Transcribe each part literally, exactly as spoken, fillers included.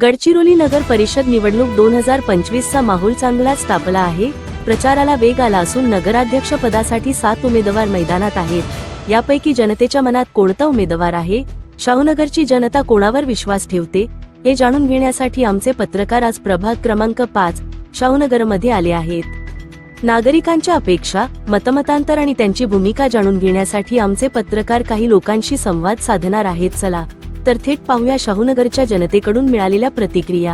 गडचिरोली नगर परिषद निवडणूक दोन हजार पंचवीस चा माहोल चांगलाच तापला आहे। प्रचाराला वेग आला असून नगराध्यक्ष पदासाठी सात उमेदवार मैदानात आहेत। यापैकी जनतेच्या मनात कोणता उमेदवार आहे, शाहूनगरची जनता कोणावर विश्वास ठेवते, हे जाणून घेण्यासाठी आमचे पत्रकार आज प्रभाग क्रमांक पाच शाहूनगरमध्ये आले आहेत। नागरिकांच्या अपेक्षा, मतमतांतर आणि त्यांची भूमिका जाणून घेण्यासाठी आमचे पत्रकार काही लोकांशी संवाद साधणार आहेत। चला तर थेट पाहूया शाहूनगरच्या जनतेकडून मिळालेल्या प्रतिक्रिया।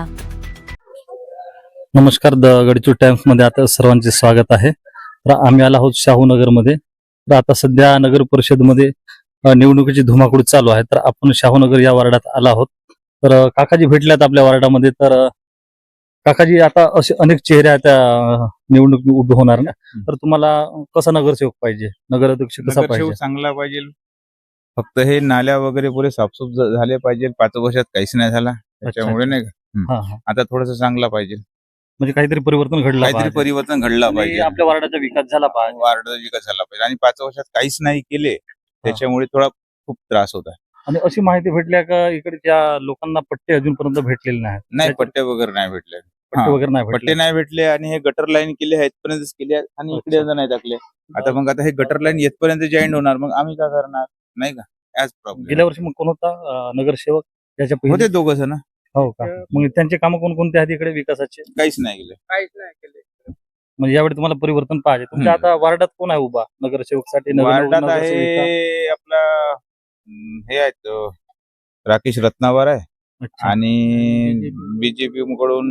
नमस्कार, द गडचिरोली टाइम्स मध्ये आता सर्वांचे स्वागत आहे। तर आम्ही आलो आहोत शाहूनगर मध्ये। तर आता सध्या नगर परिषद मध्ये निवडणुकीची धुमाकूळ चालू आहे। तर आपण शाहूनगर या वार्डात आलो आहोत। तर काकाजी भेटल्यात आपल्या वार्डामध्ये। तर काकाजी, आता असे अनेक चेहरे आहेत त्या निवडणूक उभे होणार ना, तर तुम्हाला कसा नगरसेवक पाहिजे, नगराध्यक्ष कसा पाहिजे? चांगला पाहिजे। फक्त हे नाल्या वगैरे पुरे साफसूफ झाले पाहिजे। पाच वर्षात काहीच नाही झाला, त्याच्यामुळे नाही का आता थोडस चांगला पाहिजे। म्हणजे काहीतरी परिवर्तन घडलं काहीतरी परिवर्तन घडला पाहिजे, आपल्या वार्डाचा विकास झाला पाहिजे, वार्डाचा विकास झाला पाहिजे। आणि पाच वर्षात काहीच नाही केले, त्याच्यामुळे थोडा खूप त्रास होता। आणि अशी माहिती भेटल्या का इकडच्या लोकांना पट्टे अजूनपर्यंत भेटलेले नाहीत? नाही, पट्टे वगैरे नाही भेटले, पट्टे वगैरे नाही पट्टे नाही भेटले। आणि हे गटर लाईन केले आहेत पर्यंतच केले आणि इकडे नाही टाकले। आता मग आता हे गटर लाईन येतपर्यंत जॉईंट होणार, मग आम्ही काय करणार, नाही का? याच प्रॉब्लेम। गेल्या वर्षी मग कोण होता नगरसेवक? त्याच्या पहिले होते दोघ जण। हो का? मग त्यांचे काम कोणकोणते आहेत इकडे विकासाचे? काहीच नाही केले, काहीच नाही केले। म्हणजे यावेळी तुम्हाला परिवर्तन पाहिजे। तुमच्या आता वार्डात कोण आहे उभा नगरसेवक साठी? वार्डात आहे आपला हे आहेत राकेश रत्नावर आहे आणि बीजेपी कडून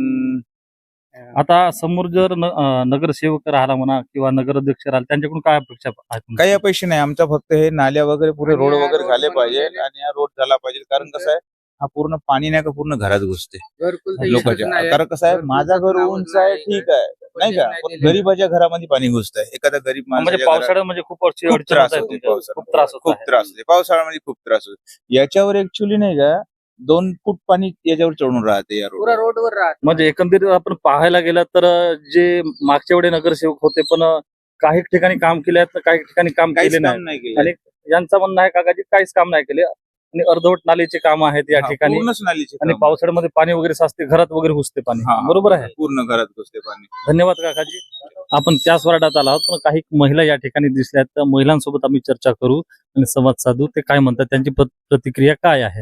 आता समोर जर नगरसेवक राहिला म्हणा किंवा नगराध्यक्ष राहिला, त्यांच्याकडून काय अपेक्षा आहे? काही अपेक्षा नाही आमचा, फक्त हे नाल्या वगैरे पुरे रोड वगैरे झाले पाहिजे आणि हा रोड झाला पाहिजे। कारण कसं आहे, हा पूर्ण पाणी नाही का पूर्ण घरात घुसते लोकांच्या। कारण कसं आहे, माझा घर उंच आहे, ठीक आहे, नाही का, पण गरीबाच्या घरामध्ये पाणी घुसत आहे। एखादा गरीब म्हणजे पावसाळ्यामध्ये खूप त्रास होतो, खूप त्रास खूप त्रास होते पावसाळ्यामध्ये, खूप त्रास होतो। याच्यावर ऍक्च्युली नाही का दोन फूट पाणी याच्यावर चढून राहते या रोड रोडवर राहते। म्हणजे एकंदरीत आपण पाहायला गेलं तर जे मागच्या वेळी नगरसेवक होते, पण काही ठिकाणी काम केले आहेत, काही ठिकाणी काम केले नाही। आणि यांचं म्हणणं आहे काकाजी, काहीच काम नाही केले आणि अर्धवट नालीचे काम आहेत या ठिकाणी। आणि पावसाळ्यामध्ये पाणी वगैरे साचते, घरात वगैरे घुसते पाणी, बरोबर आहे? पूर्ण घरात घुसते पाणी। धन्यवाद काकाजी। आपण त्याच वार्डात आलो आहोत, पण काही महिला या ठिकाणी दिसल्या आहेत। त्या महिलांसोबत आम्ही चर्चा करू आणि संवाद साधू, ते काय म्हणतात, त्यांची प्रतिक्रिया काय आहे।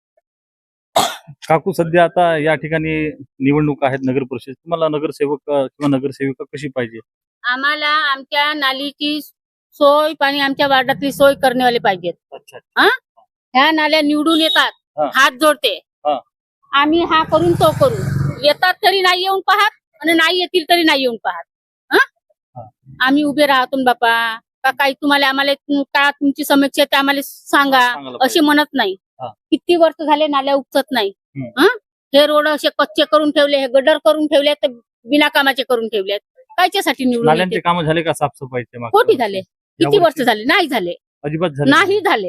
काकू, सध्या आता या ठिकाणी निवडणूक आहेत नगर परिषद, तुम्हाला नगरसेवक किंवा नगरसेविका कशी पाहिजे? आम्हाला आमच्या नालीची सोय, पाणी आमच्या वार्डातली सोय करण्यावाले पाहिजेत। अच्छा, ह्या नाल्या निवडून येतात, हात जोडते, आम्ही हा करून तो करू, येतात तरी नाही येऊन पाहत आणि नाही येतील तरी नाही येऊन पाहत। आम्ही उभे राहतो बापा, का काही तुम्हाला आम्हाला का तुमची समस्या ते आम्हाला सांगा असे म्हणत नाही। किती वर्ष झाले नाल्या उपसत नाही। हे रोड असे कच्चे करून ठेवले, हे गडर करून ठेवले, तर बिना कामाचे करून ठेवले, कायच्यासाठी निवडून? नाल्यांचे काम झाले का साफसफाईचे? कोटी झाले, किती वर्ष झाले? नाही झाले, अजिबात झाले नाही झाले।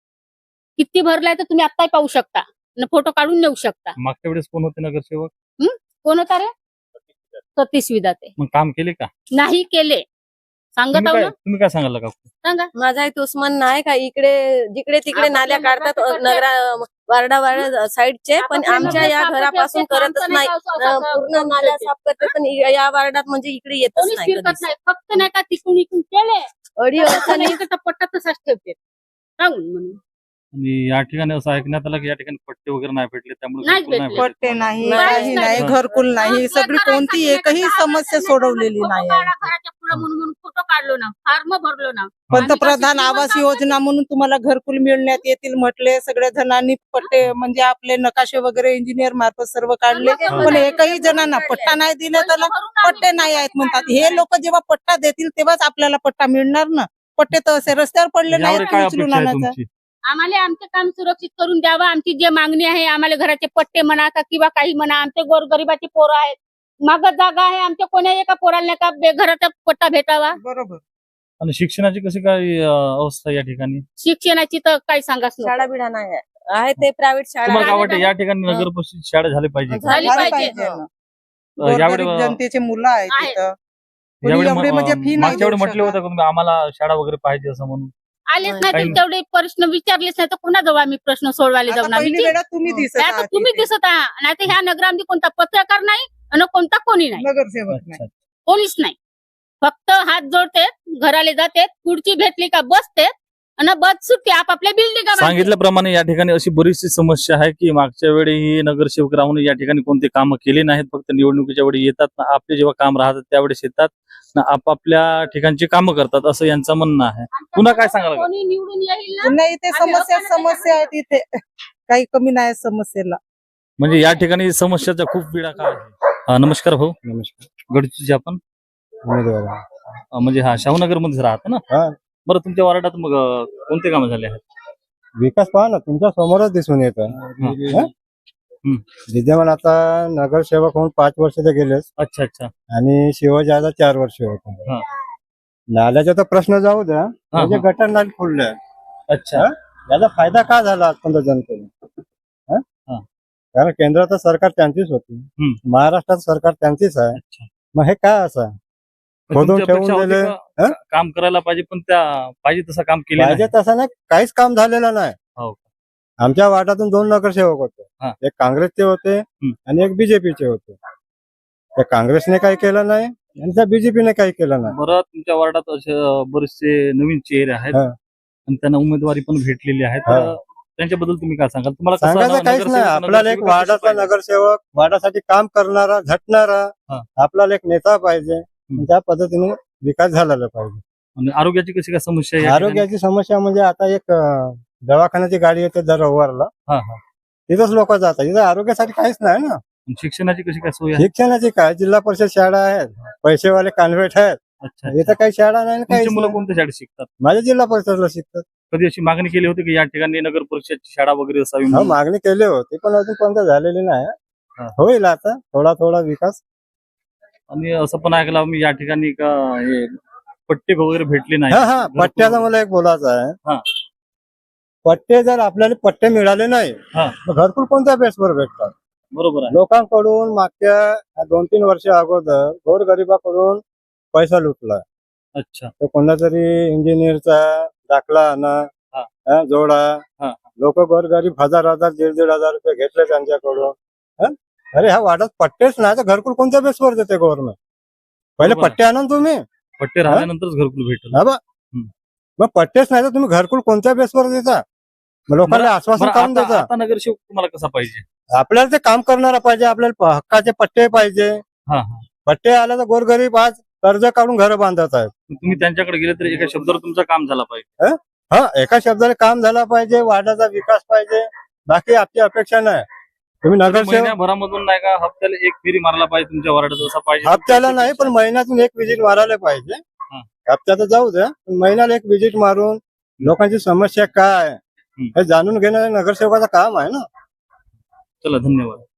किती भरलाय तर तुम्ही आत्ताही पाहू शकता, फोटो काढून नेऊ शकता। मागच्या वेळेस कोण होते नगरसेवक? कोण होता रे? सतीश विधाते। मग काम केले का? नाही केले, सांगत आहो ना। तुम्ही काय सांगाल का? सांगा। माझा इथं म्हणणं आहे का, इकडे जिकडे तिकडे नाल्या काढतात नगरा वार्डा वार्डा साईडचे, पण आमच्या या घरापासून करतच नाही, पूर्ण नाल्या साफ करते, पण या वार्डात म्हणजे इकडे येतच नाही। फक्त नाही का तिकून इकून केले अडी अडचणी पट्टा तसाच ठेवते सांगून म्हणून। आणि या ठिकाणी असं ऐकण्यात आलं की या ठिकाणी पट्टे वगैरे नाही भेटले, त्यामुळे पट्टे नाही, काही नाही, घरकुल नाही, सगळी कोणती एकही समस्या सोडवलेली नाही। घराच्या पुढे म्हणून फोटो काढलो ना, फॉर्म भरलो ना, पंतप्रधान आवास योजना म्हणून तुम्हाला घरकुल मिळण्यात येतील म्हटले, सगळ्या जणांनी पट्टे म्हणजे आपले नकाशे वगैरे इंजिनियर मार्फत सर्व काढले, पण एकही जणांना पट्टा नाही दिला, त्याला पट्टे नाही आहेत म्हणतात। हे लोक जेव्हा पट्टा देतील तेव्हाच आपल्याला पट्टा मिळणार ना, पट्टे तर असे रस्त्यावर पडले नाहीत उचलून आणायचं। आम्हाला आमचं काम सुरक्षित करून द्यावं, आमची जे मागणी आहे, आम्हाला घराचे पट्टे म्हणा किंवा काही म्हणा, आमचे गोरगरिबाची पोरं आहेत, माग जागा आहे, आमच्या कोण्या एका पोराला नाही का घराचा पट्टा भेटावा, बरोबर। आणि शिक्षणाची कशी काय अवस्था या ठिकाणी? शिक्षणाची तर काही सांगाच नाही, शाळा बिडा नाही आहे, ते प्रायव्हेट शाळा। तुम्हाला काय वाटतं या ठिकाणी नगर परिषद शाळा झाली पाहिजे? झाली पाहिजे। यावेळी जनतेचे मुलं आहेत तिथं, यावेळी मागच्या वेळी म्हटले होते तुम्ही आम्हाला शाळा वगैरे पाहिजे असं म्हणून? आलेच नाही. नाही काही तर तेवढे प्रश्न विचारलेच नाही तर कोणाजवळ आम्ही प्रश्न सोडवायला आता जाऊन आम्ही पहिली वेळा तुम्ही दिसत नाही तर आहात तुम्ही इथे. दिसत आहात नाही तर ह्या नगरामध्ये कोणता पत्रकार नाही आणि कोणता कोणी नाही नगरसेवक नाही. अच्छा. कोणीच नाही फक्त हात जोडते घराला जाते पुढची भेटली का बसते आणि बस सुट्टी आपापल्या बिल्डिंग सांगितल्याप्रमाणे या ठिकाणी अशी बरीचशी समस्या आहे की मागच्या वेळी ही नगरसेवक राहून या ठिकाणी कोणते कामं केले नाहीत. फक्त निवडणुकीच्या वेळी येतात ना आपले जेव्हा काम राहतात त्यावेळेस येतात ना आपापल्या ठिकाणची कामं करतात असं यांचं म्हणणं आहे. पुन्हा काय सांगाल? कोणी निवडून येईल ना पुन्हा इथे आम्ही समस्या लोकांना समस्या आहेत इथे काही कमी नाही समस्येला. म्हणजे या ठिकाणी समस्याचा खूप पिढा काय आहे. अं, नमस्कार भाऊ. नमस्कार. गडचिचे आपण उमेदवार अं, म्हणजे हा शाहूनगर मध्ये राहता ना. हा. बरं तुमच्या वार्डात मग अं, कोणते कामं झाले आहेत? विकास पहा ना तुमच्या समोरच दिसून येत हं. विद्यमान आता नगरसेवक होऊन पाच वर्ष तर गेलेच अच्छा अच्छा आणि शिवजादा चार वर्ष होत. हा. नाल्याचा तर प्रश्न जाऊ द्या म्हणजे हा. गटर नाली फुलले अच्छा हा? याचा फायदा का झाला आजपर्यंत जनतेला? हा? हा. कारण केंद्राचं सरकार त्यांचीच होती हम्म. महाराष्ट्रात सरकार त्यांचीच आहे. अच्छा. मग हे काय असं खोदून तुमची ठेवून अपेक्षा होती दिले का हं? काम करायला पाहिजे पण त्या पाहिजे तसं काम केलं पाहिजे नाही. तसं नाही काहीच काम झालेलं नाही. हो. आमच्या वार्डातून दोन नगरसेवक हा. होते एक काँग्रेसचे होते आणि एक बीजेपीचे होते. त्या काँग्रेसने काही केलं नाही आणि त्या बीजेपीने काही केलं नाही. बरं तुमच्या वार्डात असे अं, बरेचसे नवीन चेहरे आहेत हा. आणि त्यांना उमेदवारी पण भेटलेली आहे हा. तर त्यांच्याबद्दल तुम्ही काय सांगाल? तुम्हाला कसं सांगायचं नगर- काहीच नाही नगरसेवक- आपल्याला एक नगरसेवक कशी वार्डाचा पाहिजे? नगरसेवक वार्डासाठी काम करणारा झटणारा हा. आपल्याला एक नेता पाहिजे आणि त्या पद्धतीने विकास झालेला पाहिजे. आणि आरोग्याची कशी काय समस्या आहे या ठिकाणी? आरोग्याची समस्या म्हणजे आता एक अं, दवाखान्याची गाडी येते दर रविवारला हा, हा. तिथंच लोक जातात इथं आरोग्यासाठी काहीच नाही ना. आणि शिक्षणाची कशी काय सोय आहे? शिक्षणाची काय जिल्हा परिषद शाळा आहेत पैसेवाले कॉन्व्हेंट आहेत अच्छा इथं अच्छा. काही शाळा नाही ना तुमची काहीच मुलं नाही. कोणत्या शाळेत शिकतात? माझ्या जिल्हा परिषदला शिकतात. कधी अशी मागणी केली होती की या ठिकाणी नगर परिषदची शाळा वगैरे असावी हो म्हणून? मागणी केली होती पण अजून कोणतं झालेली नाही. हा. होईल आता थोडा थोडा विकास. आणि असं पण ऐकलं मी या ठिकाणी का हे पट्टे वगैरे भेटले नाही. हा हा पट्ट्याचा मला एक बोलायचं हा. आहे. पट्टे जर आपल्याला पट्टे मिळाले नाही हा. तर घरकुल कोणत्या बेसवर भेटतात? बरोबर आहे. लोकांकडून मागच्या दोन तीन वर्ष अगोदर गोरगरिबाकडून पैसा लुटला. अच्छा तो कोणता तरी इंजिनियरचा दाखला आणा हा. हा, जोडा हा. लोक गोरगरीब हजार हजार दीड दीड हजार रुपये घेतले त्यांच्याकडून. हा? अरे ह्या वाढत पट्टेच नाही तर घरकुल कोणत्या बेसवर देते गव्हर्नमेंट? पहिले बरोबर आहे. पट्टे आणा ना तुम्ही. पट्टे राहिल्यानंतरच घरकुल भेटेल. हा बा. हम्म. मग पट्टेच नाही तर तुम्ही घरकुल कोणत्या बेसवर देता? मग लोकांना बरं- आश्वासन बरं, काढून आता देता. आता नगरसेवक तुम्हाला कसा पाहिजे? आपल्याला ते काम करणारा पाहिजे आपल्याला प- हक्काचे पट्टे पाहिजे. हा हा. पट्टे आले तर गोरगरीब आज कर्ज काढून घर बांधत आहेत. तुम्ही त्यांच्याकडे गेले तरी एका शब्दावर तुमचं काम झालं पाहिजे. हा एका शब्दाने काम झाला पाहिजे वार्डाचा विकास पाहिजे बाकी आपली अपेक्षा नाही. तुम्ही नगरसेवक महिन्याभरामधून नाही का हप्त्याला एक फेरी मारायला पाहिजे तुमच्या वार्डात असा पाहिजे. हप्त्याला नाही पण महिन्यातून एक विजिट मारायला पाहिजे. हा. हप्त्यात जाऊ द्या पण महिन्याला एक विजिट मारून लोकांची समस्या काय हम्म. हे जाणून घेणं नगरसेवकाचं काम आहे ना. चला धन्यवाद.